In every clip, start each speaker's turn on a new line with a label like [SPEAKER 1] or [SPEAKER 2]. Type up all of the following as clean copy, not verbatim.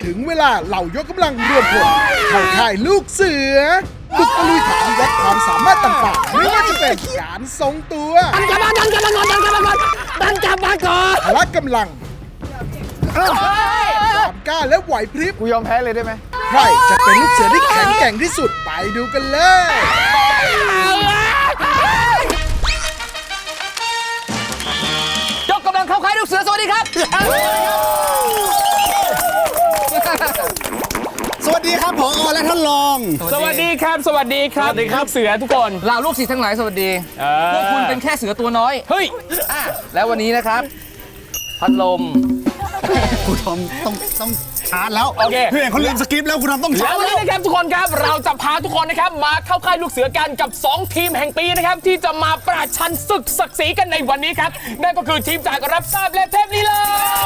[SPEAKER 1] ถึงเวลาเหล่ายกกำลังรวมพลเข้าค่ายลูกเสือบุกตะลุยฐานวัดความสามารถต่างๆไม่ว่าจะเป็นการทรงตัวพละกำลังความกล้าและไหวพริบ
[SPEAKER 2] กูยอมแพ้เลยได้ไหม
[SPEAKER 1] ใครจะเป็นลูกเสือที่แข็งแกร่งที่สุดไปดูกันเลย
[SPEAKER 3] ยกกำลังเข้าค่ายลูกเสือสวัสดีครับ
[SPEAKER 2] สวัสดีครับผอและท่านรอง
[SPEAKER 4] สวัสดีครับลูกเสือทุกคน
[SPEAKER 3] เหล่าลูกศิษย์ทั้งหลายสวัสดีพวกคุณเป็นแค่เสือตัวน้อย
[SPEAKER 4] เฮ้ย
[SPEAKER 3] แล้ววันนี้นะครับ พัดลม
[SPEAKER 2] คุณทอมต้องชาร์จแล้ว
[SPEAKER 4] โอเค
[SPEAKER 2] เพื่อนเขาลืมสคริปต์แล้วคุณทอมต้องชา
[SPEAKER 4] แล้
[SPEAKER 2] ร์
[SPEAKER 4] ว
[SPEAKER 2] จ
[SPEAKER 4] วันนี้นะครับทุกคนครับเราจะพาทุกคนนะครับมาเข้าค่ายลูกเสือกันกับ 2 ทีมแห่งปีนะครับที่จะมาประชันศึกศักดิ์ศรีกันในวันนี้ครับนั่นก็คือทีมจากรับทราบและเทพลีลา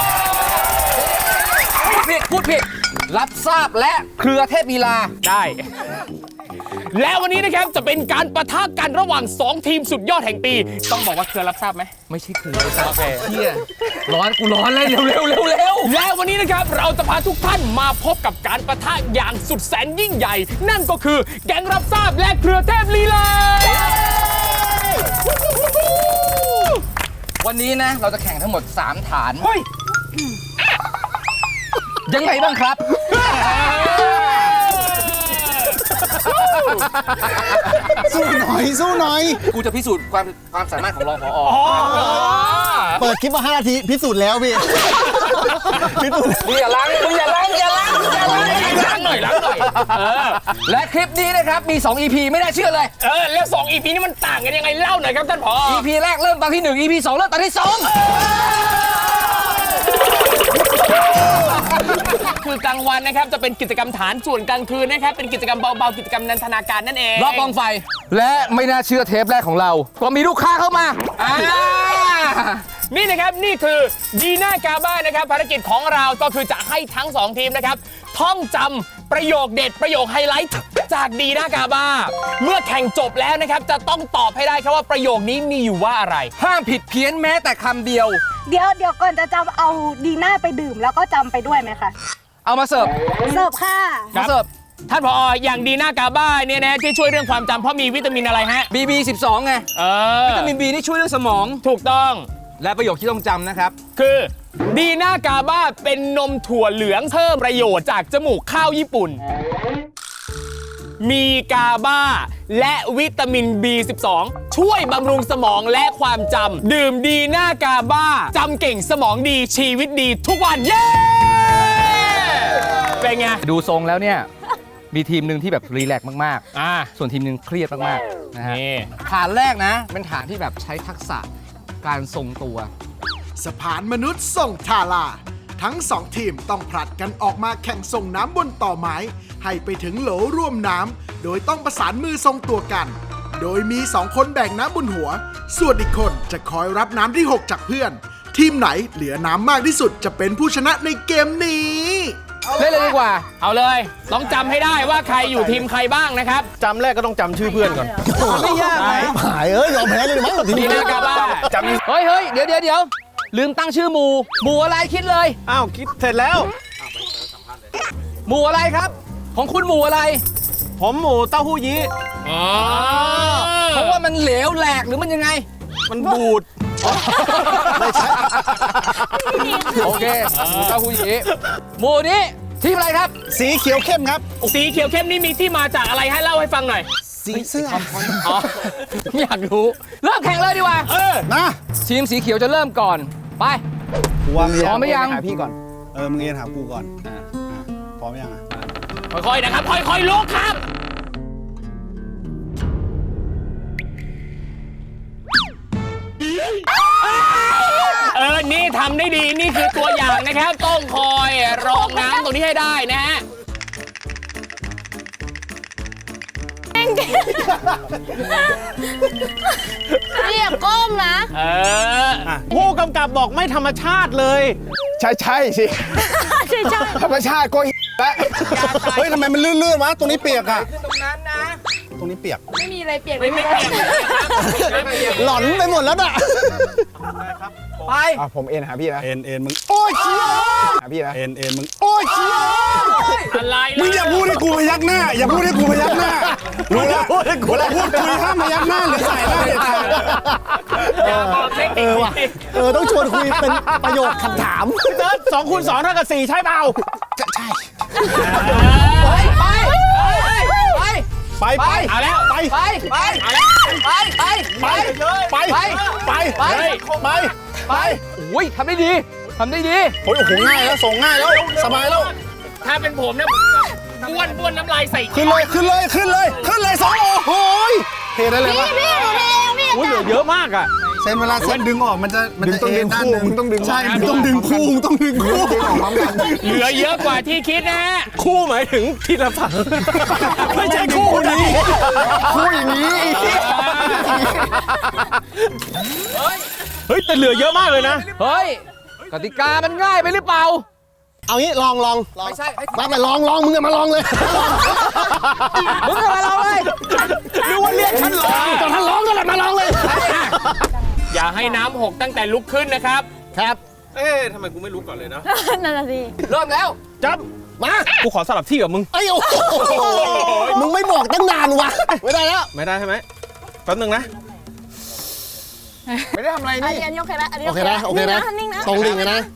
[SPEAKER 3] พูดผิด รับทราบและเครือเทพลีลา
[SPEAKER 4] ได้ และวันนี้นะครับจะเป็นการปะทะกันระหว่าง 2 ทีมสุดยอดแห่งปี ต้องบอกว่าเครือรับทราบไหม
[SPEAKER 3] ไม่ใช่เครือโอเคเฮียร้อนกูร้อนเลยเร็ว
[SPEAKER 4] และวันนี้นะครับเราจะพาทุกท่านมาพบกับการปะทะอย่างสุดแสนยิ่งใหญ่ นั่นก็คือแก๊งรับทราบและเครือเทพลีลา
[SPEAKER 3] วันนี้นะเราจะแข่งทั้งหมด 3 ฐาน
[SPEAKER 4] เฮ้ย
[SPEAKER 3] ยังไงบ้างครับ
[SPEAKER 2] สู้หน่อย
[SPEAKER 3] กูจะพิสูจน์ความสามารถของรองผอ
[SPEAKER 2] เปิดคลิปมา5 นาทีพิสูจน์แล้วพี่พิสูจน์แล้ว
[SPEAKER 3] มึงอย่าล้างหน่อยและคลิปนี้นะครับมี 2 EP ไม่น่าเชื่อเลย
[SPEAKER 4] แล้ว 2 EP นี้มันต่างกันยังไงเล่าหน่อยครับท่านผอ
[SPEAKER 3] EP แรกเริ่มตอนที่ 1 EP 2 เริ่มตอนที่ 2
[SPEAKER 4] คือกลางวันนะครับจะเป็นกิจกรรมฐานส่วนกลางคืนนะครับเป็นกิจกรรมเบาๆกิจกรรมนันทนาการนั่นเอง
[SPEAKER 3] รอบกองไฟ และไม่น่าเชื่อเทปแรกของเรา ก็มีลูกค้าเข้ามา
[SPEAKER 4] นี่นะครับนี่คือดีน่ากาบ้านะครับภารกิจของเราก็คือจะให้ทั้ง 2 ทีมนะครับท่องจำประโยคเด็ดประโยคไฮไลท์จากดีน่ากาบ้าเมื่อแข่งจบแล้วนะครับจะต้องตอบให้ได้ครับว่าประโยคนี้มีอยู่ว่าอะไร
[SPEAKER 3] ห้ามผิดเพี้ยนแม้แต่คำเดียว
[SPEAKER 5] เดี๋ยวก่อนจะจำเอาดีน่าไปดื่มแล้วก็จำไปด้วยไหมคะ
[SPEAKER 3] เอามาเสิร์ฟ
[SPEAKER 5] เสิร์ฟค่ะ
[SPEAKER 4] ครั
[SPEAKER 3] มา
[SPEAKER 4] บ
[SPEAKER 3] เสิร์ฟ
[SPEAKER 4] ท่านผออย่างดีน่ากาบ้าเนี่ยนะที่ช่วยเรื่องความจำเพราะมีวิตามินอะไรฮะ
[SPEAKER 3] BB 12ไง วิตามิน B นี่ช่วยเรื่องสมอง
[SPEAKER 4] ถูกต้อง
[SPEAKER 3] และประโยคที่ต้องจำนะครับ
[SPEAKER 4] คือดีน่ากาบ้าเป็นนมถั่วเหลืองเพิ่มประโยชน์จากจมูกข้าวญี่ปุ่น มีกาบ้าและวิตามิน B12 ช่วยบำรุงสมองและความจำดื่มดีน่ากาบ้าจำเก่งสมองดีชีวิตดีทุกวันเย้เป็นไง
[SPEAKER 3] ดูทรงแล้วเนี่ย มีทีมหนึ่งที่แบบรีแลกซ์มาก
[SPEAKER 4] อ่า
[SPEAKER 3] ๆ ส่วนทีมหนึ่งเครียดมากๆนะฮะ
[SPEAKER 4] นี่
[SPEAKER 3] ฐานแรกนะ เป็นฐานที่แบบใช้ทักษะการทรงตัว
[SPEAKER 1] สะพานมนุษย์ส่งทาราทั้ง 2 ทีมต้องผลัดกันออกมาแข่งส่งน้ำบนต่อไม้ ให้ไปถึงโหลร่วมน้ำโดยต้องประสานมือทรงตัวกัน โดยมี 2 คนแบ่งน้ำบนหัว ส่วนอีกคนจะคอยรับน้ำที่ 6 จากเพื่อน ทีมไหนเหลือน้ำมากที่สุดจะเป็นผู้ชนะในเกมนี้
[SPEAKER 3] เล่นเลยดีกว่า
[SPEAKER 4] เอาเลยต้องจำให้ได้ว่าใครอยู่ทีมใครบ้างนะครับ
[SPEAKER 2] จำแรกก็ต้องจำชื่อเพื่อนก่อนไม่ยาก
[SPEAKER 4] ได้
[SPEAKER 2] หายยอมแพ้เลยมั้งที
[SPEAKER 4] ดี
[SPEAKER 2] นี้
[SPEAKER 4] น่ากาบ้า
[SPEAKER 2] จำ
[SPEAKER 3] เฮ้ย เดี๋ยว ลืมตั้งชื่อหมู่อะไรคิดเลย
[SPEAKER 2] อ้าวคิดเสร็จแล้ว
[SPEAKER 3] หมู่อะไรครับ ของคุณหมู่อะไร
[SPEAKER 2] ผมหมูเต้าหู้ยี้
[SPEAKER 4] อ๋อ
[SPEAKER 3] เพราะว่ามันเหลวแหลกหรือมันยังไง
[SPEAKER 2] มันบูดไม่ใช่
[SPEAKER 3] โอเคหมู่เต้าหู้ยี้หมู่นี้ทีมอะไรครับ
[SPEAKER 2] สีเขียวเข้มครับ
[SPEAKER 4] สีเขียวเข้มนี่มีที่มาจากอะไรให้เล่าให้ฟังหน่อย
[SPEAKER 2] สีเสื้อ
[SPEAKER 4] อ๋อ
[SPEAKER 3] อยากรู้ เริ่มแข่งเลยดีกว่า
[SPEAKER 2] นะ
[SPEAKER 3] ทีมสีเขียวจะเริ่มก่อน ไป
[SPEAKER 2] วาง
[SPEAKER 3] พร้อมไหมยัง
[SPEAKER 2] หาพี่ก่อนมึงเอ็นหากูก่อนพร้อมยังอ่ะ
[SPEAKER 4] ค่อยๆนะครับ ค่อยๆลุกครับ นี่ทำได้ดี นี่คือตัวอย่างนะครับ ต้องคอยรองน้ำตรงนี้ให้ได้นะฮะ
[SPEAKER 5] เรียกก้มนะ
[SPEAKER 2] ผู้กำกับบอกไม่ธรรมชาติเลย ใช่สิ
[SPEAKER 5] ใช่
[SPEAKER 2] ธรรมชาติก็แล้วเฮ้ยทำไมมันลื่นๆวะตรงนี้เปียกอ่ะ
[SPEAKER 3] ตรงนั้นนะ
[SPEAKER 2] ตรงนี้เปียก
[SPEAKER 5] ไม่มีอะไรเปลี่ยน
[SPEAKER 4] ไม่เปลี่ยน
[SPEAKER 2] หลอนไปหมดแล้วน่ะ
[SPEAKER 3] ไป
[SPEAKER 2] ผมเอ็นหาพี่นะเอ็นมึงโอ้ยเชี่ยหาพี่นะเอ็นมึงโอ้ยเชี่ย
[SPEAKER 6] มึงอย่าพูดให้กูพยักหน้า อย่าพูดให้กูพยักหน้า รู้แล้วเวลาพูดคุยห้ามพยักหน้าหรือใส่หน้าเด็ดขาด
[SPEAKER 4] อย่าบอกเทคนิค
[SPEAKER 2] ว่ะต้องชวนคุยเป็นประโยคคำถาม
[SPEAKER 6] เติร์ด2 คูณ 2 เท่ากับ 4 ใช่เปล่า ไป
[SPEAKER 4] เอาแล้ว
[SPEAKER 6] ไป
[SPEAKER 3] ไปไปไปไปไป
[SPEAKER 6] ไป
[SPEAKER 3] ไป
[SPEAKER 6] ไป
[SPEAKER 3] ไป
[SPEAKER 6] ไป
[SPEAKER 3] ไปโอ้ยทำได้ดีทำได้ดี
[SPEAKER 6] โอ้ยโอ้โหง่ายแล้วส่งง่ายแล้วสบายแล้ว
[SPEAKER 4] ถ้าเป็นผมเนี่ยบ้วนน้ำลายใส่
[SPEAKER 6] ขึ้นเลยขึ้นเลยขึ้นเลยขึ้นเลย2โอ้โหเทได้เลยวะ
[SPEAKER 5] พี่หนูเองพี่
[SPEAKER 6] อุ้ยเหลือเยอะมากอ่ะ
[SPEAKER 2] เส้นเวลาเส้นดึงออกมันจะต้องดึงคู่มึงต้องดึง
[SPEAKER 6] ใช่มึงต้องดึงคู่มึงต้องดึงคู่
[SPEAKER 2] ดึงออกพร้อมกัน
[SPEAKER 4] เหลือเยอะกว่าที่คิดนะฮะ
[SPEAKER 6] คู่หมายถึงทีละฝั่งไม่ใช่คู่นี้
[SPEAKER 2] คู่อย่างนี้
[SPEAKER 6] เฮ้ยแต่เหลือเยอะมากเลยนะ
[SPEAKER 3] เฮ้ยกติกามันง่ายไปหรือเปล่า
[SPEAKER 2] เอางี้ลองไม่ใช่มาลองมึงอะมาลองเลย
[SPEAKER 3] มึงจะมาลองเลย
[SPEAKER 6] นึกว่าเรียกฉันเหรอ
[SPEAKER 2] ตอนท่านร้องนั่นแหละมาลองเลย
[SPEAKER 4] อย่าให้น้ำหกตั้งแต่ลุกขึ้นนะครับ
[SPEAKER 2] ครับ
[SPEAKER 6] ทำไมกูไม่รู้ก่อนเลยนะ
[SPEAKER 5] นั่นน่ะสิ
[SPEAKER 3] เริ่มแล้ว
[SPEAKER 6] จับ
[SPEAKER 2] มา
[SPEAKER 6] กูขอสลับที่กับมึง
[SPEAKER 2] ไอ้โอ้มึงไม่บอกตั้งนานวะไม่ได้แล้ว
[SPEAKER 6] ไม่ได้ใช่ไหมแป๊บนึงนะ
[SPEAKER 2] ไม่ได้ทำอะไร
[SPEAKER 5] อัน
[SPEAKER 2] นี่
[SPEAKER 5] นี้โอเคนะอันนี้
[SPEAKER 2] โอเคนะโอเคนะ
[SPEAKER 5] นิ่งนะ
[SPEAKER 2] ตรงดิ่งนะ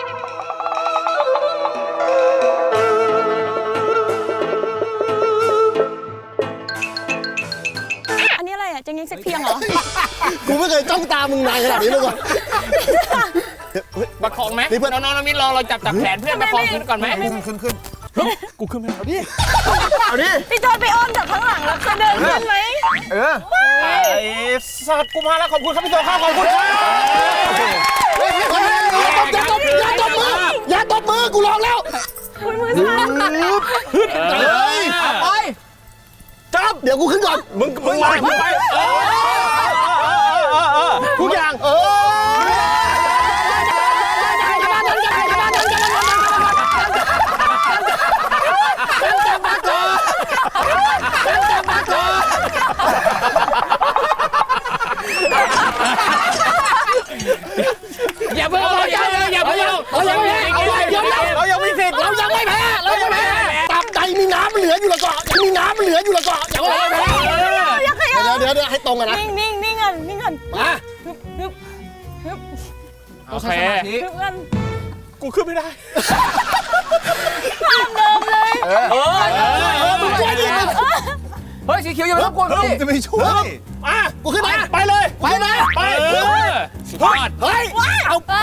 [SPEAKER 5] อันนี้อะไรอ่ะจะยิงเซ็กเพียงเหรอ
[SPEAKER 2] กูไม่เคยจ้องตามึงนานขนาดนี้มาก่อน
[SPEAKER 4] ประคองไหม
[SPEAKER 2] นี่เพื่อน
[SPEAKER 4] น้องๆมิตรเราจับแขนเพื่อนประคองขึ้นก่อนไหม
[SPEAKER 2] ขึ้น
[SPEAKER 6] กูขึ้นไม่ได้
[SPEAKER 2] เอาดิ
[SPEAKER 5] พี่จอยไปอ้อมจากข้างหลังแล้วจะเดินขึ้นไหม
[SPEAKER 6] ไอ้สัตว์กูมาแล้วขอบคุณครับพี่โจครับขอบคุณครับ
[SPEAKER 2] อย่าตบมือกูลองแล้ว
[SPEAKER 5] อุ้ยมือสั่น
[SPEAKER 3] เอาไป
[SPEAKER 6] จับ
[SPEAKER 2] เดี๋ยวกูขึ้นก่อน
[SPEAKER 6] มึงมามึงไปทุกอย่าง
[SPEAKER 4] อย่าเพิ่งอย่าเพิ่ง
[SPEAKER 2] เรายังไม่แพ้เรายังไม่สิทธิ์เรายังไม่แพ้ตับใจมีน้ำมันเหลืออยู่ละก่อนมีน้ำมันเหลืออยู่ละก่อนอย่าว่าแพ้เดี๋ยวให้ตรงกันนะ
[SPEAKER 5] นิ่งกัน
[SPEAKER 2] มา
[SPEAKER 4] โอเค
[SPEAKER 5] ฮึบกัน
[SPEAKER 6] กูขึ้นไม่ได้
[SPEAKER 5] เดิมเลย
[SPEAKER 2] มึงช่วยดิ
[SPEAKER 3] เฮ้ยสีเขียวอย่าไปรบกวนพี่
[SPEAKER 2] จะไปช่วย กูขึ้นมาไปเลยไปนะไป
[SPEAKER 4] สุดยอด
[SPEAKER 2] เฮ้ยเอาไป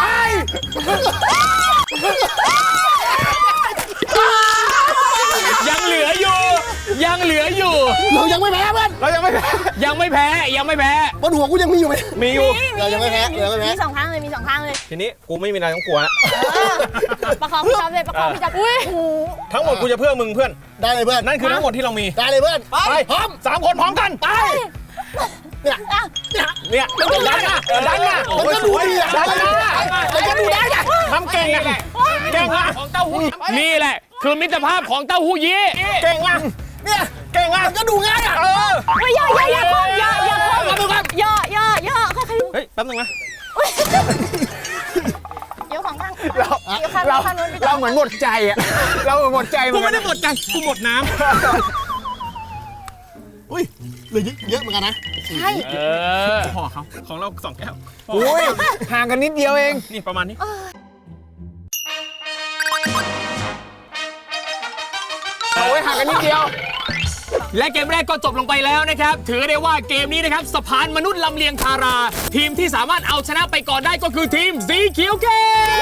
[SPEAKER 4] ยังเหลืออยู่
[SPEAKER 2] เรายังไม่แพ้เพื่อน
[SPEAKER 6] เรายังไม่แพ้
[SPEAKER 4] ยังไม่แพ้
[SPEAKER 2] บนหัวกูยังมีอยู่ไหม
[SPEAKER 6] มีอยู่
[SPEAKER 2] เรายังไม่แพ้เรายังไม่แพ้
[SPEAKER 5] มีสองข้างเลย
[SPEAKER 6] ทีนี้กูไม่มีอะไรต้องกลัวแล้ว
[SPEAKER 5] ประคองพี่จอยเลยประคองพี่จอยอุ้ย
[SPEAKER 6] ทั้งหมดกูจะเพื่อมึงเพื่อน
[SPEAKER 2] ได้เลยเพื่อน
[SPEAKER 6] นั่นคือทั้งหมดที่เรามี
[SPEAKER 2] ได้เลยเพื่อนไปพร้อม
[SPEAKER 6] 3 คนพร้อมกัน
[SPEAKER 2] ไปเนี่ย
[SPEAKER 6] เนี่ยมันก็ดันนะดันนะ
[SPEAKER 2] มันก็ดูดีอ่ะมันก็ดูได้อ่ะ
[SPEAKER 6] ทำเก่งอะเก่งอะ
[SPEAKER 4] ของเต้าหู้นี่แหละ คือมิตรภาพของเต้าหู้ยี้
[SPEAKER 6] เก่งอะเนี่ยเก่งอะ
[SPEAKER 2] มันก็ดูง่ายอ่ะ
[SPEAKER 5] ไม่อย่าค่อยค่อย
[SPEAKER 6] เฮ้ยแป๊บนึงนะ
[SPEAKER 5] เดี๋ยวของข้างเดี๋ยวข้างนู้นพี่จอย
[SPEAKER 2] เราเหมือนหมดใจอ่ะเราหมดใจ
[SPEAKER 6] กูไม่ได้หมดใจกูหมดน้
[SPEAKER 2] อุ้ยเหลือเยอะเหมือนกันนะ
[SPEAKER 6] ำห่อเขาของเรา2 แก้ว
[SPEAKER 2] อุ้ยห่างกันนิดเดียวเอง
[SPEAKER 6] นี่ประมาณนี้
[SPEAKER 2] โอ้ยห่างกันนิดเดียว
[SPEAKER 4] และเกมแรกก็จบลงไปแล้วนะครับ ถือได้ว่าเกมนี้นะครับสะพานมนุษย์ลำเลียงทารา ทีมที่สามารถเอาชนะไปก่อนได้ก็คือทีมสีเขียวเข้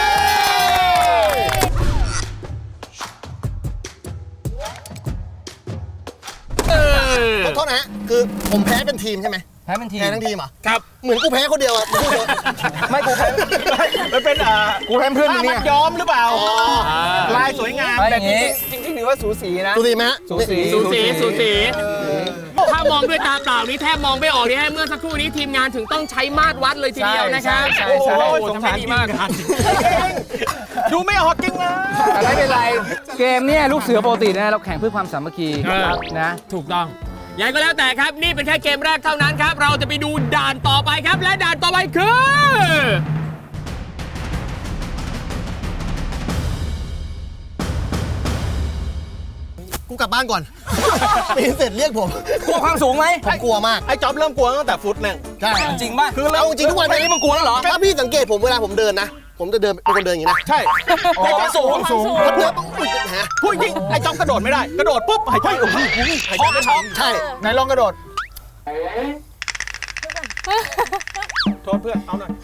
[SPEAKER 4] ม
[SPEAKER 2] ขอโทษนะคือผมแพ้เป็นทีมใช่ไหม
[SPEAKER 3] แพ้เป็นทีม
[SPEAKER 2] แพ้ทั้งทีมอ่ะ
[SPEAKER 4] ครับ
[SPEAKER 2] เหมือนกูแพ้คนเดียวอ่ะพูดเถอะ
[SPEAKER 3] ไม่กูแพ้
[SPEAKER 6] มันเป็น
[SPEAKER 2] กูแพ้เพื่อนมึง
[SPEAKER 6] มั
[SPEAKER 2] เนี่
[SPEAKER 6] ด
[SPEAKER 2] ย
[SPEAKER 6] ย้อมหรือเปล่าลายสวยงาม
[SPEAKER 3] ไปอย่างงี้
[SPEAKER 2] จริงๆถือว่าสูสีนะสูสีไหมฮะ
[SPEAKER 3] สูสี
[SPEAKER 4] สูสีถ้ามองด้วยตาเปล่านี้แทบมองไม่ออกนี่ฮะเมื่อสักครู่นี้ทีมงานถึงต้องใช้มาตรวัดเลยทีเดียวนะครับ
[SPEAKER 3] ใช่
[SPEAKER 4] โอ้โห
[SPEAKER 6] สง
[SPEAKER 4] ทำ
[SPEAKER 6] สาร
[SPEAKER 4] ได้ดีมาก
[SPEAKER 6] ดูไม่ออกจริงเลย
[SPEAKER 3] แต่ไม่เป็นไร เกมเนี่ยลูกเสือปกตินะเราแข่งเพื่อความสามัคคีนะ
[SPEAKER 4] ถูกต้องยังไงก็แล้วแต่ครับ นี่เป็นแค่เกมแรกเท่านั้นครับ เราจะไปดูด่านต่อไปครับ และด่านต่อไปคือ
[SPEAKER 2] กูกลับบ้านก่อน ปีนเสร็จเรียกผม
[SPEAKER 3] กลัวความสูงไหม
[SPEAKER 2] ผมกลัวมาก
[SPEAKER 6] ไอ้จ๊อบเริ่มกลัวตั้งแต่ฟุตหนึ่ง
[SPEAKER 2] ใช่
[SPEAKER 3] จริงป่ะ
[SPEAKER 2] คือเอาจริงทุกวัน
[SPEAKER 3] ตอนนี้มึงกลัวแล้วเหรอ
[SPEAKER 2] ถ้าพี่สังเกตผมเวลาผมเดินนะ ผมจะเดินเป็นคนเดินอย่างนี้นะ
[SPEAKER 6] ใช่
[SPEAKER 3] ความสูง
[SPEAKER 2] ถ้าเดินปุ๊บอุ๊ยฮะ
[SPEAKER 6] พูดจริงไอ้จ๊อบกระโดดไม่ได้ กระโดดปุ๊บหายใจโอ้โหหายใจไม่ทัน
[SPEAKER 2] ใช่
[SPEAKER 6] ไหนลองกระโดดโทษเพื่อนเอาหน่อย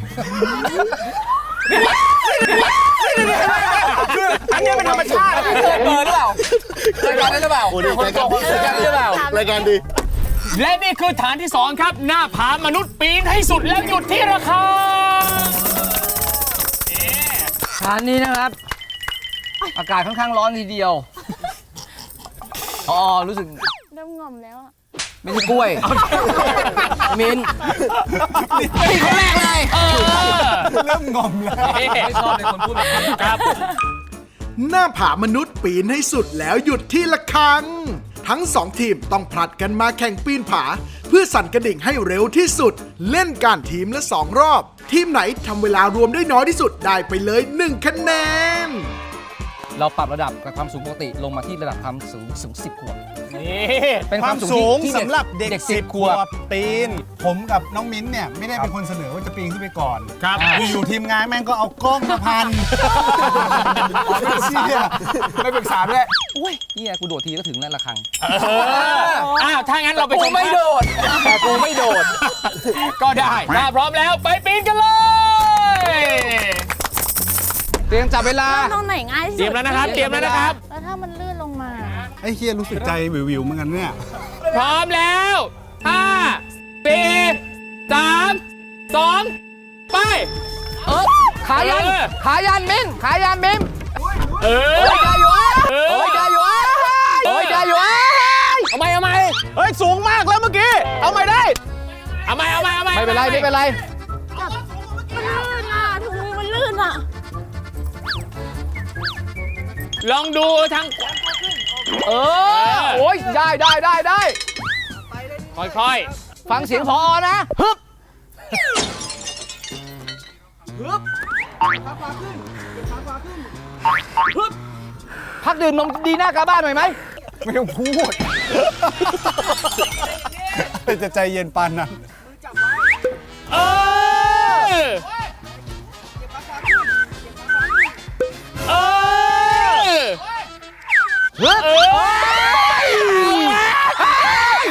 [SPEAKER 6] คืออันนี้เป็นธรรมชาติ
[SPEAKER 3] เคยเปิดหรือเปล่ารายการนั้นหรือเปล่า
[SPEAKER 2] โอ้ดีรายการ
[SPEAKER 3] รายการนี้หรือเปล่า
[SPEAKER 2] รายการดี
[SPEAKER 4] และนี่คือฐานที่ 2 ครับ หน้าผามนุษย์ปีนให้สุดแล้วหยุดที่ระฆัง
[SPEAKER 3] ฐานนี้นะครับ อากาศค่อนข้างร้อนทีเดียวอ๋อรู้สึก
[SPEAKER 5] เริ่มงอมแล้วอะ
[SPEAKER 3] ไม่ใช่กล้วยมินปีคนแรกเลย
[SPEAKER 6] เริ่มงอมแล้ว
[SPEAKER 3] ไม่ชอบในคนพูดแบบนี้
[SPEAKER 4] ครับ
[SPEAKER 1] หน้าผามนุษย์ปีนให้สุดแล้วหยุดที่ละครัง ทั้งสองทีมต้องผลัดกันมาแข่งปีนผา เพื่อสั่นกระดิ่งให้เร็วที่สุด เล่นกันทีมละ 2 รอบ ทีมไหนทำเวลารวมได้น้อยที่สุดได้ไปเลย1คะแนน
[SPEAKER 3] เราปรับระดับกับความสูงปกติลงมาที่ระดับความสูง10 ขวบ
[SPEAKER 4] นี่
[SPEAKER 3] เป็น
[SPEAKER 6] ความสูง
[SPEAKER 3] ที่
[SPEAKER 6] สำหรับเด็ก
[SPEAKER 3] 10
[SPEAKER 6] 10 ขวบปีน ผมกับน้องมิ้นเนี่ยไม่ได้เป็นคนเสนอว่าจะปีนขึ้นไปก่อน
[SPEAKER 4] ครับ
[SPEAKER 6] อยู่ทีมงานแม่งก็เอากล้องมาพันเชี่ย
[SPEAKER 3] ไม่ปรึกษาด้วยอุ้ยเนี่ยกูโดดทีก็ถึงนั่นละครัง
[SPEAKER 4] อ้าวถ้างั้นเราไปช
[SPEAKER 3] กู
[SPEAKER 4] ม
[SPEAKER 3] ไม่โดดแต่กูไม่โดด
[SPEAKER 4] ก็ได้ถ้าพร้อมแล้วไปปีนกันเลย
[SPEAKER 3] เตรียมจับเวลา
[SPEAKER 5] ตรงไหนง่ายที่
[SPEAKER 4] เตรี
[SPEAKER 5] สุ
[SPEAKER 4] ยม
[SPEAKER 5] ด
[SPEAKER 4] แล้วนะครับ เตรียมแล้วนะครับ
[SPEAKER 5] แล้วถ้ามันลื่นลงมา
[SPEAKER 6] ไอ้เฮียรู้สึกใจวิวๆเหมือนกันเนี่ย
[SPEAKER 4] พร้อมแล้ว5 4 3 2 ไป
[SPEAKER 3] ขายัน ขายันมินขายันมิม
[SPEAKER 4] เออ
[SPEAKER 3] โอ้ยได้อยู่
[SPEAKER 4] เออ
[SPEAKER 3] โอ้ยได้อยู่โอ้ยได้อยู่
[SPEAKER 4] เอาไหมเอาไหม
[SPEAKER 6] เฮ้ย สูงมากแล้วเมื่อกี้ เอาไม่ได้
[SPEAKER 4] เอาไหมเอาไหมเอาไหม
[SPEAKER 3] ไม่เป็นไรไม่เป็นไร
[SPEAKER 5] มันลื่นอ่ะถุงมือมันลื่นอ่ะ
[SPEAKER 4] ลองดูทาง
[SPEAKER 3] เออโอ้ยได้ได้ได้ได้
[SPEAKER 4] ค่อย
[SPEAKER 3] ฟังเสียงพอนะฮึบพักดื่มนมดีหน้ากาบ้านหน่อยไหม
[SPEAKER 6] ไม่ต้องพูดจะใจเย็นปานนั้น
[SPEAKER 4] ๆเออเออ
[SPEAKER 3] ฮึบ
[SPEAKER 4] เออ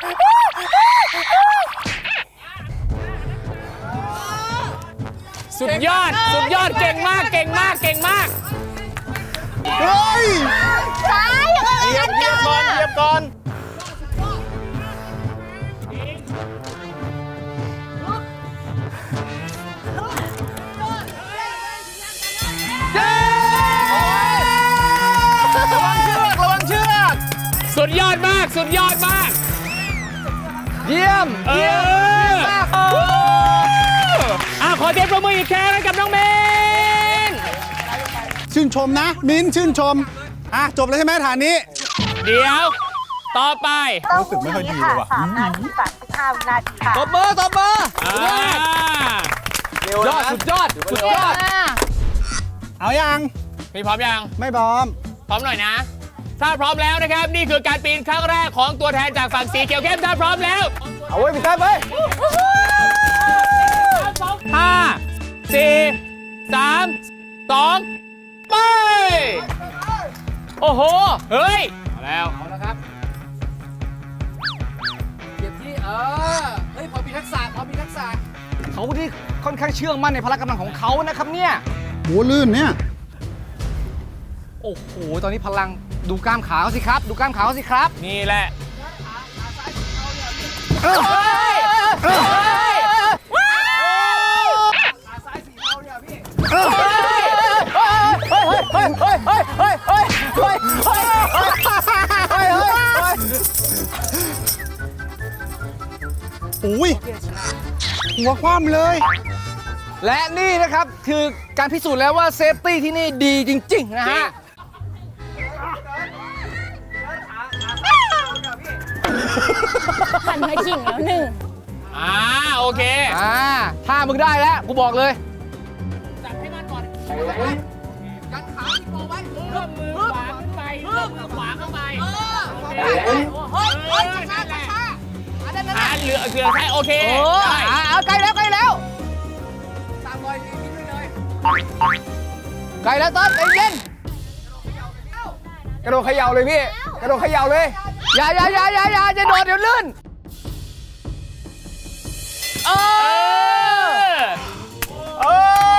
[SPEAKER 4] สุดยอด สุดยอด เก่งมาก เก่งมาก เก่งมาก
[SPEAKER 6] เฮ้ย
[SPEAKER 5] ใช่ยังไง
[SPEAKER 6] เหยียบเหยียบก่อนเหยียบก่อน ระวังเชือก
[SPEAKER 4] สุดยอดมาก สุดยอดมาก
[SPEAKER 3] เยี่ยม
[SPEAKER 4] เอ
[SPEAKER 3] เยี่ยม
[SPEAKER 4] อขอเทปประมืออีกแค่ให้กับน้องเมน
[SPEAKER 6] ชื่นชมนะ มิ้นชื่นชม จบแล้วใช่ไหมฐานนี้
[SPEAKER 4] เดี๋ยว ต่อไป
[SPEAKER 6] รู้สึกไม่ค่อยดีเลยว่ะ
[SPEAKER 5] 3 นาที 35 วินาทีค่ะ
[SPEAKER 3] ตบมือตบมือ
[SPEAKER 4] อ่า
[SPEAKER 3] ยอดสุดยอดสุดยอด
[SPEAKER 6] เอายัง
[SPEAKER 4] พี่พร้อมยัง
[SPEAKER 6] ไม่พร้อม
[SPEAKER 4] พร้อมหน่อยนะ ถ้าพร้อมแล้วนะครับ นี่คือการปีนครั้งแรกของตัวแทนจากฝั่งสีเขียวเข้มถ้าพร้อมแล้ว
[SPEAKER 6] เอาไว้พี่แต้มไป
[SPEAKER 4] 5 4 3 2 ไป
[SPEAKER 3] โอ้โห
[SPEAKER 4] เฮ้ยเอาแล้ว
[SPEAKER 3] เอาละครับเก็บที่เฮ้ยพอมีทักษะพอมีทักษะเขาที่ค่อนข้างเชื่อมั่นในพละกำลังของเขานะครับเนี่ย
[SPEAKER 6] โหลื่นเนี่ย
[SPEAKER 3] โอ้โหตอนนี้พลังดูกล้ามขาเขาสิครับ ดูกล้ามขาเขาสิครับ
[SPEAKER 4] นี่แหละ
[SPEAKER 6] อุ้ยหัวคว่ำเลย
[SPEAKER 3] และนี่นะครับคือการพิสูจน์แล้วว่าเซฟตี้ที่นี่ดีจริง ๆ นะฮะ
[SPEAKER 5] หันมาขิงแล้วหนึ่ง
[SPEAKER 4] โอเค
[SPEAKER 3] ถ้ามึงได้แล้ว กูบอกเลย
[SPEAKER 4] จับให้มันก่อนกันขาที่โปไว้เริ่มมือขวาขึ้นไปเริ่มมือขวาเข้ามาเหลือใช่โอเค
[SPEAKER 3] โอ้
[SPEAKER 4] ได้
[SPEAKER 3] เอาใกล้แล้วใกล้แล้วตามรอยทิ้งด้วยเลยใกล้แล้วต้นใจเย็นกระโดดเขย่าเลยพี่กระโดดเขย่าเลยอย่าจะโดดเดี๋ยวลื่นเออ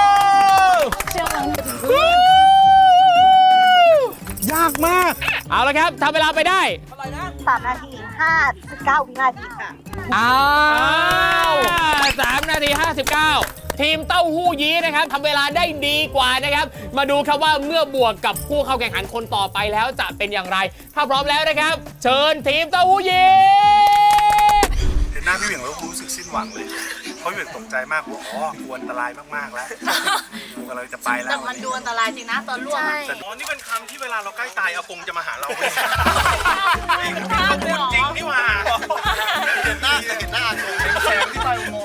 [SPEAKER 6] ยากมาก
[SPEAKER 4] เอาละครับทำเวลาไปได้
[SPEAKER 5] 3 นาที 59 วินาทีค่ะ
[SPEAKER 3] อ้าว
[SPEAKER 4] 3 นาที 59 ทีมเต้าหู้ยี้นะครับทำเวลาได้ดีกว่านะครับ มาดูครับว่าเมื่อบวกกับผู้เข้าแข่งขันคนต่อไปแล้วจะเป็นอย่างไร ถ้าพร้อมแล้วนะครับ เชิญทีมเต้าหู้ยี้
[SPEAKER 7] เห็นหน้าพี่เหวี่ยงแล้วรู้สึกสิ้นหวังเลย เพราะพี่เหวี่ยงตกใจมากว่าอ๋อกลัวอันตรายมากๆแล้วกูกำลังจะไปแล้ว
[SPEAKER 8] แต่มันดูอันตรายจริงนะตอนร่วงอะ
[SPEAKER 7] แต่อ๋อนี่เป็นคำที่เวลาเราใกล้ตายอากงจะมาหาเราจริงนี่หว่าเห็นหน้าอากงแสงที่ไปอุโมงค์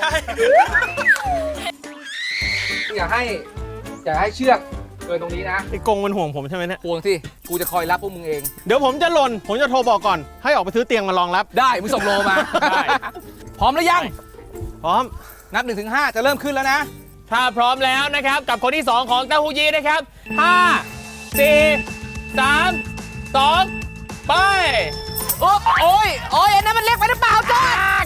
[SPEAKER 3] อยากให้เชือกเกินตรงนี้นะ
[SPEAKER 6] ไอ้กงมันห่วงผมใช่ไหมเนี่ย
[SPEAKER 3] ห่วงสิกูจะคอยรับพวกมึงเอง
[SPEAKER 6] เดี๋ยวผมจะหล่น ผมจะโทรบอกก่อน ให้ออกไปซื้อเตียงมารองรับ
[SPEAKER 3] ได้มึงส่งโลมา
[SPEAKER 4] ได้
[SPEAKER 3] พร้อมหรือยัง
[SPEAKER 6] พร้อม
[SPEAKER 3] นับ 1-5 จะเริ่มขึ้นแล้วนะ
[SPEAKER 4] ถ้าพร้อมแล้วนะครับกับคนที่ 2 ของเต้าหู้ยี้นะครับ 5 4 3 2 ไป
[SPEAKER 3] โอ้ยอันนั้นมันเล็กไปหรือเปล่าจอด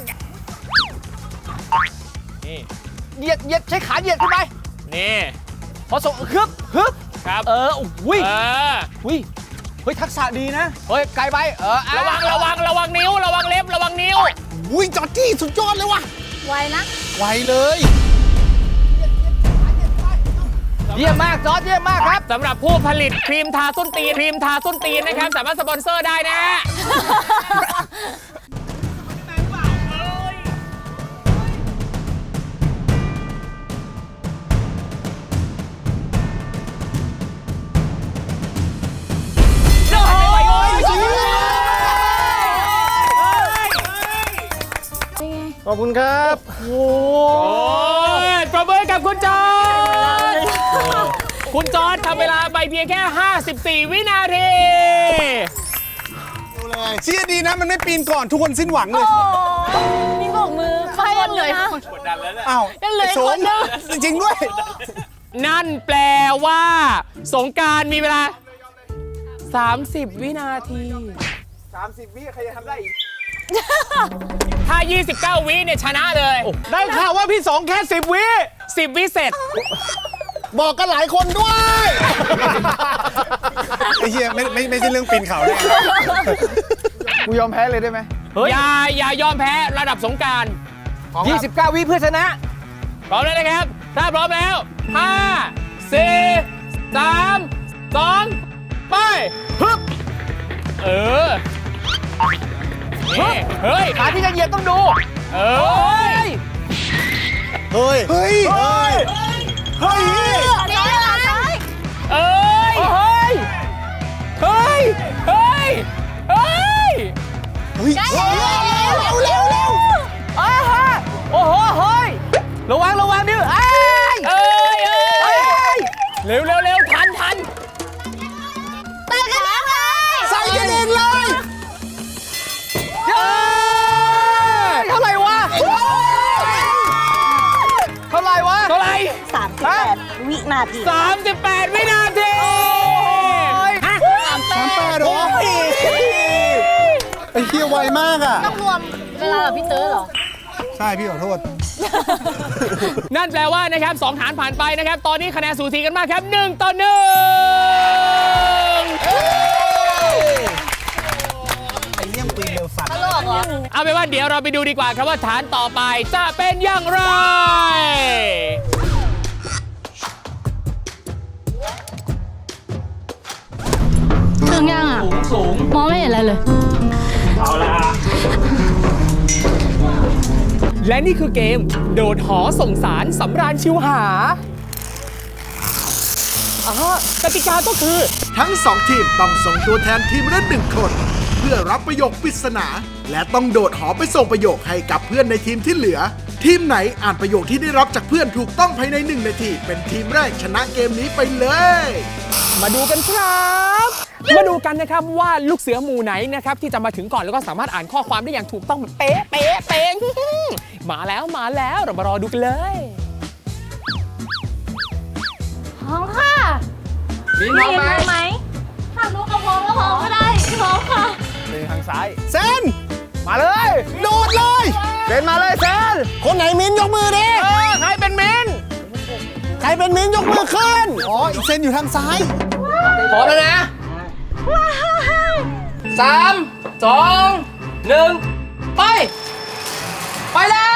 [SPEAKER 4] นี่
[SPEAKER 3] เหยียดใช้ขาเหยียดขึ้นไป
[SPEAKER 4] นี่
[SPEAKER 3] พอส่งฮึบ
[SPEAKER 4] ครับ
[SPEAKER 3] อุ้ย
[SPEAKER 4] เออ
[SPEAKER 3] เฮ้ยทักษะดีนะ เฮ้ยไกลไป
[SPEAKER 4] ระวังนิ้ว ระวังเล็บ ระวังนิ้ว
[SPEAKER 2] อุ้ยจอร์จี้สุดยอดเลยว่ะ
[SPEAKER 8] ไวนะ
[SPEAKER 2] ไวเลย
[SPEAKER 3] เยี่ยมมากจอร์จเยี่ยมมากครับ
[SPEAKER 4] สำหรับผู้ผลิตครีมทาส้นตีนนะครับ สามารถสปอนเซอร์ได้นะ
[SPEAKER 6] ขอบคุณครับ
[SPEAKER 4] โอ้ยปรบมือกับคุณจอร์จคุณจอร์จทำเวลาไปเพียงแค่ 54 วินาที
[SPEAKER 6] เชี่ยดีนะ มันไม่ปีนก่อนทุกคนสิ้นหวังเลย
[SPEAKER 8] มีโบกมือไฟยังเหลือ
[SPEAKER 6] อ้าว
[SPEAKER 8] ยังเหลืออีก
[SPEAKER 6] โฉ
[SPEAKER 8] ค
[SPEAKER 6] ม
[SPEAKER 8] นนึง
[SPEAKER 6] จริงๆด้วย
[SPEAKER 4] นั่นแปลว่า สงกรานต์มีเวลา 30 วินาที
[SPEAKER 3] 30 วิใครจะทำได้อีก
[SPEAKER 4] ถ้า 29 วิเนี่ยชนะเลย
[SPEAKER 6] ได้ข่าวว่าพี่สองแค่10 วิ
[SPEAKER 4] 10 วิเสร็จ
[SPEAKER 2] บอกกันหลายคนด้วย
[SPEAKER 6] ไอ้เหี้ยไม่ใช่เรื่องปีนเขาเลย
[SPEAKER 3] กูยอมแพ้เลยได้ไหม
[SPEAKER 4] อย่ายอมแพ้ระดับสงกรานต์
[SPEAKER 3] 29 วิเพื่อชนะ
[SPEAKER 4] พร้อมแล้วนะครับ ถ้าพร้อมแล้ว 5 4 3 2 ไปฮึบนี่เฮ้ย
[SPEAKER 3] ขาที่จะเหยียบต้องดู
[SPEAKER 4] เอ้ย
[SPEAKER 2] เฮ้ย
[SPEAKER 6] เฮ้ย เฮ้ย
[SPEAKER 8] เดี๋ยวนะ
[SPEAKER 4] เอ้ย
[SPEAKER 3] เฮ้ย
[SPEAKER 4] เฮ้ย เฮ้ย เฮ้ย
[SPEAKER 8] ใกล้แล้ว
[SPEAKER 2] เร็ว
[SPEAKER 3] อ้าฮะโอ้โหเฮ้ยระวังดิเอ้ย
[SPEAKER 4] เอ้ย เอ้ย เร็วทัน
[SPEAKER 8] ไปกันแล้วไง
[SPEAKER 2] ใส่กันเองเลย
[SPEAKER 3] เท่าไหร่วะ
[SPEAKER 4] เท่าไหร่
[SPEAKER 5] 38 วินาที
[SPEAKER 4] 38 วินาที
[SPEAKER 2] 38เหรอไอ้เหี้ยไวมากอ่ะ
[SPEAKER 8] ต้องรวมเวลากับพี่เต๋อเหรอ
[SPEAKER 2] ใช่พี่ขอโทษ
[SPEAKER 4] นั่นแปลว่านะครับ2ฐานผ่านไปนะครับ ตอนนี้คะแนนสูสีกันมากครับ1-1
[SPEAKER 2] ไอ้เยี่ยมปืนเร็วสัตว์
[SPEAKER 8] ตลกเหรอ
[SPEAKER 4] เอาเป็นว่าเดี๋ยวเราไปดูดีกว่าครับว่าฐานต่อไปจะเป็นอย่างไร
[SPEAKER 8] ถึงยังอ่ะ
[SPEAKER 4] สูง
[SPEAKER 8] มองไม่เห็นอะไรเลย
[SPEAKER 4] เอาละและนี่คือเกมโดดหอส่งสารสำราญชิวหากติกาก็คือ
[SPEAKER 1] ทั้ง 2 ทีมต้องส่งตัวแทนทีมละ1 คน เพื่อรับประโยคปริศนา และต้องโดดหอไปส่งประโยคให้กับเพื่อนในทีมที่เหลือ ทีมไหนอ่านประโยคที่ได้รับจากเพื่อนถูกต้องภายใน1 นาที เป็นทีมแรกชนะเกมนี้ไปเลย
[SPEAKER 4] มาดูกันครับมาดูกันนะครับว่าลูกเสือหมู่ไหนนะครับที่จะมาถึงก่อนแล้วก็สามารถอ่านข้อความได้อย่างถูกต้องเป๊ะเป๊ะเป๊ะมาแล้วเรามารอดูกันเลย
[SPEAKER 8] พร้อมค่ะ
[SPEAKER 3] มีน้องไหม
[SPEAKER 8] ถ้ารู้ก็พร้อมก็พร้อมก็ได้พร้อมค่ะ
[SPEAKER 3] ทางซ้าย
[SPEAKER 2] เซน
[SPEAKER 3] มาเลย
[SPEAKER 2] โดดเลย
[SPEAKER 3] เซนมาเลยเซน
[SPEAKER 2] คนไหนมิ้นยกมือดิ
[SPEAKER 3] ใครเป็นมิน
[SPEAKER 2] ใครเป็นมิ้นยกมือขึ้นอ๋ออีกเซนอยู่ทางซ้าย
[SPEAKER 3] พร้อมแล้วนะ3 2 1 ไปแล้ว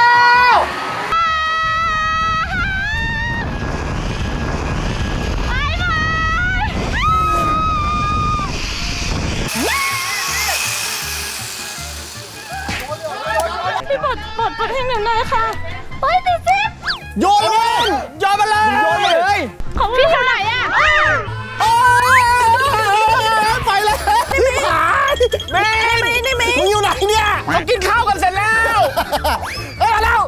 [SPEAKER 8] พี่ปลดให้หนูหน่อยค่ะไปติดซิป
[SPEAKER 2] โยนมัน
[SPEAKER 3] โยนมาเลย
[SPEAKER 8] ของพี่อยู่ไหนอะ
[SPEAKER 2] ไปเลยพี่หายมึงอยู่ไหนเนี่ย
[SPEAKER 3] เขากินข้าวกันเสร็จแล้วเฮ้ยมาแล้ว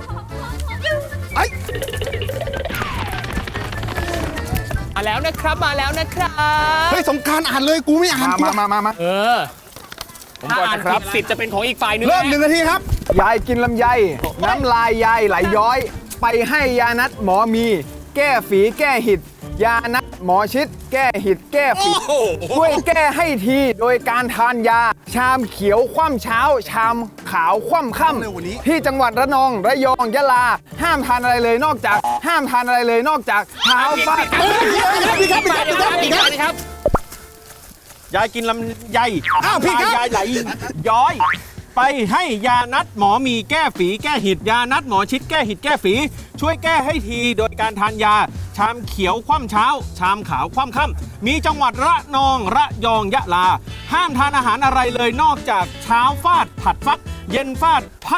[SPEAKER 4] มาแล้วนะครับมาแล้วนะครับ
[SPEAKER 2] เฮ้ยสงกรารอ่านเลยกูไม่อ่านกู
[SPEAKER 6] มา
[SPEAKER 4] เออถ้าอ่านผิดสิทธิ์จะเป็นของอีกฝ่ายหนึง
[SPEAKER 2] เริ่ม
[SPEAKER 4] นะ
[SPEAKER 2] 1 นาทีครับ
[SPEAKER 3] ยายกินลำไย น้ำลายยายไหลย้อย ไปให้ยานัดหมอมี แก้ฝีแก้หิด ยานัดหมอชิด แก้หิดแก้ฝีช่วยแก้ให้ทีโดยการทานยา ชามเขียวคว่ำเช้า ชามขาวคว่ำค่ำที่จังหวัดระนองระยองยะลา ห้ามทานอะไรเลยนอกจากเท้าฟาด
[SPEAKER 4] อีกครับ
[SPEAKER 6] ยายกินลำไย
[SPEAKER 2] อ้าวพี่ครับ
[SPEAKER 6] ยายไหลย้อย ไปให้ยานัดหมอมีแก้ฝีแก้หิด ยานัดหมอชิดแก้หิดแก้ฝี ช่วยแก้ให้ทีโดยการทานยา ชามเขียวคว่ำเช้า ชามขาวคว่ำค่ำมีจังหวัดระนองระยองยะลา ห้ามทานอาหารอะไรเลยนอกจากเช้าฟาดผัดฟัก เย็นฟาดพัก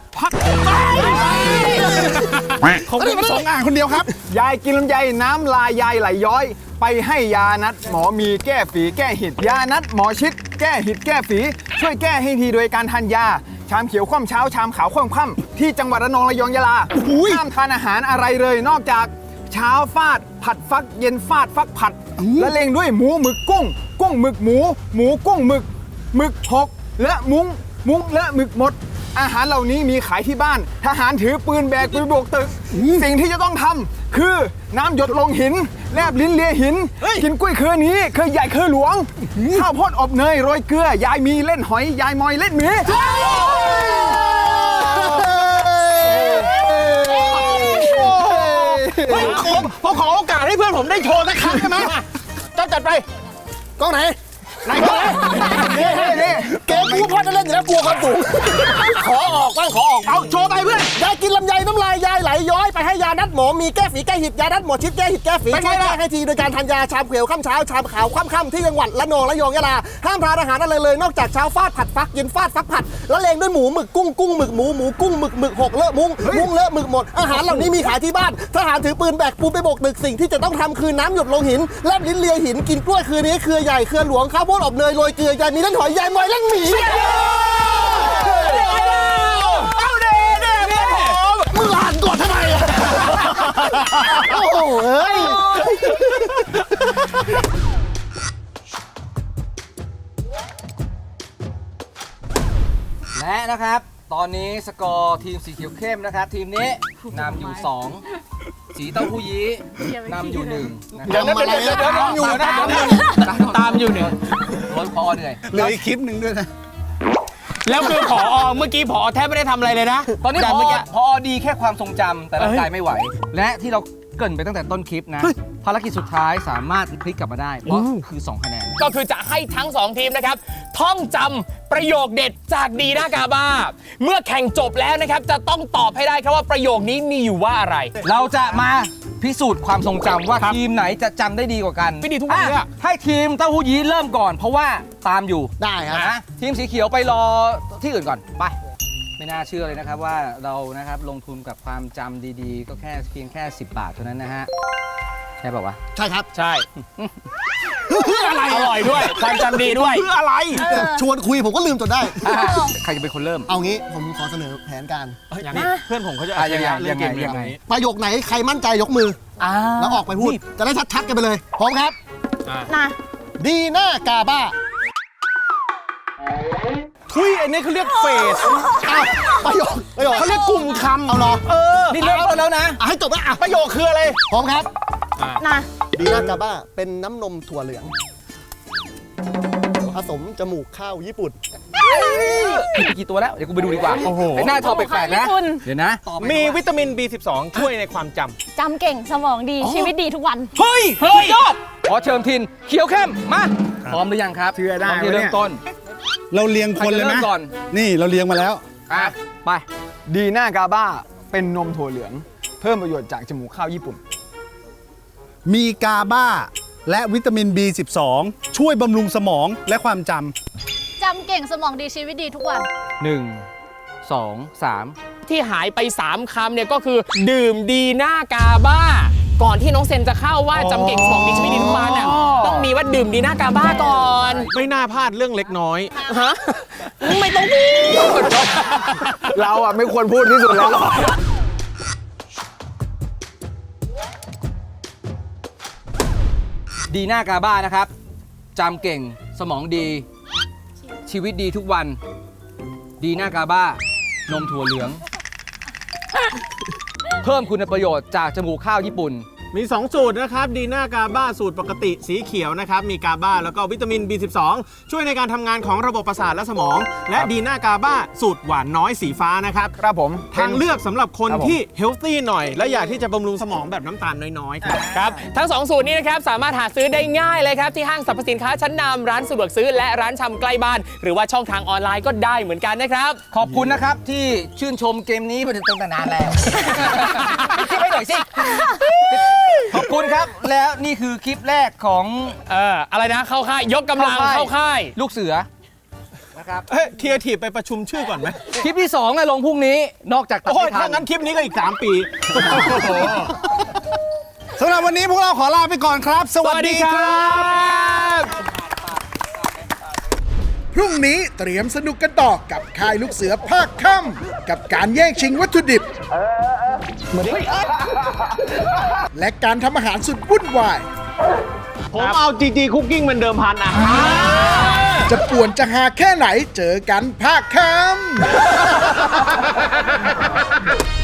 [SPEAKER 2] เขาไม่ประสงค์อ่านคนเดียวครับ
[SPEAKER 3] ยายกินลำไยน้ำลายยายไหลย้อย ไปให้ยานัดหมอมีแก้ฝีแก้หิด ยานัดหมอชิดแก้หิดแก้ฝี ช่วยแก้ให้ทีโดยการทานยา ชามเขียวคว่ำเช้า ชามขาวคว่ำค่ำที่จังหวัดระนองระยองยะลาห้ามทานอาหารอะไรเลยนอกจากเช้าฟาดผัดฟัก เย็นฟาดฟักผัดและเล็งด้วยหมูหมึกกุ้ง กุ้งหมึกหมูกุ้งหมึกหมึกหกและมุ้งและหมึกหมด อาหารเหล่านี้มีขายที่บ้าน ทหารถือปืนแบกปืนโบกตึก สิ่งที่จะต้องทำคือน้ำหยดลงหิน แลบลิ้นเลียหิน กินกล้วยเครือนี้เคยใหญ่เคยหลวง ข้าวโพดอบเนยโรยเกลือ ยายมีเล่นหอย ยายมอยเล่นหมี
[SPEAKER 6] ผมขอโอกาสให้เพื่อนผมได้โชว์สักครั้งได้ไหมต้องจัดไป
[SPEAKER 2] กล้องไหน
[SPEAKER 6] ไหนก็ได้
[SPEAKER 2] นี่เกมกูพ่อจะเล่นอยู่แล้วกลัวความสูงขอออกบ้างขอออก
[SPEAKER 6] เอาโชว์ไปเพื่อน
[SPEAKER 2] ยายกินลำไยน้ำลายยายไหลย้อยไปให้ยานัดหมอมีแก้ฝีแก้หิดยานัดหมอชิดแก้หิดแก้ฝีช่วยแก้ให้ทีโดยการทานยาชามเขียวค่ำเช้าชามขาวค่ำที่จังหวัดระนองระยองยะลาห้ามทานอาหารอะไรเลยนอกจากเช้าฟาดผัดฟักเย็นฟาดฟักผัดแล้วเลงด้วยหมูหมึกกุ้งหมึกหมูกุ้งหมึกหกเลอะมุ้งเลอะหมึกหมดอาหารเหล่านี้มีขายที่บ้านทหารถือปืนแบกปูนไปโบกตึกสิ่งที่จะต้องทำคือน้ำหยดลงหินแลบลิ้นเลียหินกินกล้วยคือนี้เครือใหญ่เครือหลวงข้าวโพดอบเนยโรยเกลือยายมีเล่นหอยยายมอยเล่นหมี
[SPEAKER 6] เอาเด้ผม
[SPEAKER 2] มึงอ่านก่อนทำไมอ่ะโอ้โหเอ้ย
[SPEAKER 3] และนะครับ ตอนนี้สกอร์ทีมสีเขียวเข้มนะครับ ทีมนี้นำอยู่ 2 สีเต้าหู้ยี้นำอยู่1นะครับ
[SPEAKER 2] ทำอะไรอ่ะตามอยู่นะ
[SPEAKER 4] ตามอยู่เนี่ย
[SPEAKER 3] รถพอเหนื่อย
[SPEAKER 6] เหลืออีกคลิปหนึ่งด้วยนะ
[SPEAKER 4] แล้วคือผอเมื่อกี้ผอแทบไม่ได้ทำอะไรเลยนะ
[SPEAKER 3] ตอนนี้
[SPEAKER 4] แต่
[SPEAKER 3] พ
[SPEAKER 4] เมื่อกี้
[SPEAKER 3] อดีแค่ความทรงจำแต่ร่างกายไม่ไหว และที่เราเกริ่นไปตั้งแต่ต้นคลิปนะ ภารกิจสุดท้ายสามารถพลิกกลับมาได้ เพราะคือ 2 คะแนน
[SPEAKER 4] ก็คือจะให้ทั้ง 2 ทีมนะครับ ท่องจำประโยคเด็ดจากดีน่ากาบ้า เมื่อแข่งจบแล้วนะครับ จะต้องตอบให้ได้ครับว่าประโยคนี้มีอยู่ว่าอะไร
[SPEAKER 3] เราจะมาพิสูจน์ความทรงจำว่าทีมไหนจะจำได้ดีกว่ากัน
[SPEAKER 4] ไม่ดีทุกวันเลยอะ
[SPEAKER 3] ให้ทีมเต้าหู้ยี้เริ่มก่อน เพราะว่าตามอยู่
[SPEAKER 2] ได้ครับ
[SPEAKER 3] นะทีมสีเขียวไปรอที่อื่นก่อนไป ไม่น่าเชื่อเลยนะครับว่าเรานะครับลงทุนกับความจำดีๆ ก็แค่เพียงแค่ 10 บาทเท่านั้นนะฮะใช่ป่าวะ
[SPEAKER 2] ใช่ครับ
[SPEAKER 4] ใช่เพื่ออะไรอร่อยด้วย ความจำดีด้วย
[SPEAKER 6] เพื่ออะไร
[SPEAKER 2] ชวนคุยผมก็ลืมจนได้
[SPEAKER 3] ใครจะเป็นคนเริ่ม
[SPEAKER 2] เอางี้ผมขอเสนอแผนการ
[SPEAKER 6] เพื่อนผมเขาจะ
[SPEAKER 3] ยังไง
[SPEAKER 6] เล่นเกม
[SPEAKER 3] ยังไง
[SPEAKER 6] นี้
[SPEAKER 2] ประโยคไหนใครมั่นใจยกมือ แล้วออกไปพูด จะได้ชัดๆกันไปเลย พร้อมครับ
[SPEAKER 5] นะ
[SPEAKER 2] ดีน่ากาบ้า
[SPEAKER 6] ทุยอันนี้เขาเรียกเฟส
[SPEAKER 2] อ้าวประโยค
[SPEAKER 6] เขาเรียกกลุ่มคำ
[SPEAKER 2] เอาเหรอ
[SPEAKER 3] นี่เริ่มต้นแล้วนะ
[SPEAKER 2] ให้จบแล้วอ่ะ
[SPEAKER 6] ประโยคคืออะไร
[SPEAKER 2] พร้อมครับ
[SPEAKER 8] นะ
[SPEAKER 2] ดีน่ากาบ้าเป็นน้ำนมถั่วเหลืองผสมจมูกข้าวญี่ปุ่น
[SPEAKER 3] กี่ตัวแล้ว เดี๋ยวกูไปดูดีกว่า
[SPEAKER 6] โอ้โห
[SPEAKER 3] ไอ้หน้าทอแปลกๆนะ
[SPEAKER 8] คุณ
[SPEAKER 3] เดี๋ยวนะ
[SPEAKER 6] มีวิตามิน B12 ช่วยในความจำ
[SPEAKER 8] จำเก่งสมองดีชีวิตดีทุกวัน
[SPEAKER 3] เฮ้ยยอด ขอเชิญทิน เขียวเข้ม มา พร้อมหรือยังครับ
[SPEAKER 6] เชื่อได้
[SPEAKER 3] พร้อมที่
[SPEAKER 6] วะเนี่ย
[SPEAKER 3] เริ่มต้น
[SPEAKER 7] เราเรียงคนเลยไหม
[SPEAKER 3] ใครจะเริ่มก่อน
[SPEAKER 7] นี่เราเรียงมาแล้ว
[SPEAKER 3] อ่ะ ไป ดีน่ากาบ้า เป็นนมถั่วเหลือง เพิ่มประโยชน์จากจมูกข้าวญี่ปุ่น
[SPEAKER 7] มีกาบ้าและวิตามิน B12 ช่วยบำรุงสมองและความจำ
[SPEAKER 8] จำเก่งสมองดีชีวิตดีทุกวัน
[SPEAKER 3] 1 2 3
[SPEAKER 4] ที่หายไป 3 คำเนี่ยก็คือดื่มดีน่ากาบ้า ก่อนที่น้องเซนจะเข้าว่าจำเก่งสมองดีชีวิตดีทุกวันน่ะต้องมีว่าดื่มดีน่ากาบ้าก่อน
[SPEAKER 6] ไม่น่าพลาดเรื่องเล็กน้อย
[SPEAKER 4] ฮะไม่ต้องพูด
[SPEAKER 3] เราอ่ะไม่ควรพูดที่สุดแล้ว ดีน่ากาบ้านะครับจำเก่งสมองดี ชีวิตดีทุกวัน ดีน่ากาบ้านมถั่วเหลือง เพิ่มคุณประโยชน์จากจมูกข้าวญี่ปุ่น
[SPEAKER 6] มี 2 สูตรนะครับดีน่ากาบ้าสูตรปกติสีเขียวนะครับมีกาบ้าแล้วก็วิตามิน B12 ช่วยในการทำงานของระบบประสาทและสมอง และดีน่ากาบ้าสูตรหวานน้อยสีฟ้านะครับ
[SPEAKER 3] ครับผม
[SPEAKER 6] ทางเลือกสำหรับคน
[SPEAKER 3] ครับผม
[SPEAKER 6] ที่เฮลตี้หน่อย และอยากที่จะบำรุงสมองแบบน้ำตาลน้อยๆครับ
[SPEAKER 4] ครับทั้ง 2 สูตรนี้นะครับสามารถหาซื้อได้ง่ายเลยครับที่ห้างสรรพสินค้าชั้นนำร้านสะดวกซื้อและร้านชำใกล้บ้าน หรือว่าช่องทางออนไลน์ก็ได้เหมือนกันนะครับ
[SPEAKER 3] ขอบคุณนะครับที่ชื่นชมเกมนี้มาตั้งแต่นานแล้ว คิดให้หน่อยสิ ขอบคุณครับ แล้วนี่คือคลิปแรกของ
[SPEAKER 4] อะไรนะเข้าค่ายยกกำลังเข้าค่าย
[SPEAKER 3] ลูกเสือนะครับ
[SPEAKER 6] เฮ้ยเทียร์ทีไปประชุมชื่อก่อนไหม
[SPEAKER 3] คลิปที่2อะลงพรุ่งนี้นอกจากตัด
[SPEAKER 6] โอ้ย
[SPEAKER 3] ไม่ทั
[SPEAKER 6] ถ้าน งั้นคลิปนี้ก็อีก 3 ปี
[SPEAKER 7] สำหรับวันนี้พวกเราขอลาไปก่อนครับ สวัสดีครับ
[SPEAKER 1] พรุ่งนี้เตรียมสนุกกันต่อกับค่ายลูกเสือภาคค่ำกับการแย่งชิงวัตถุดิบ และการทำอาหารสุดวุ่นวาย
[SPEAKER 6] ผมเอา GG Cooking เป็นเดิมพันอ่ะ
[SPEAKER 1] จะป่วนจะหาแค่ไหนเจอกันภาคค่ำ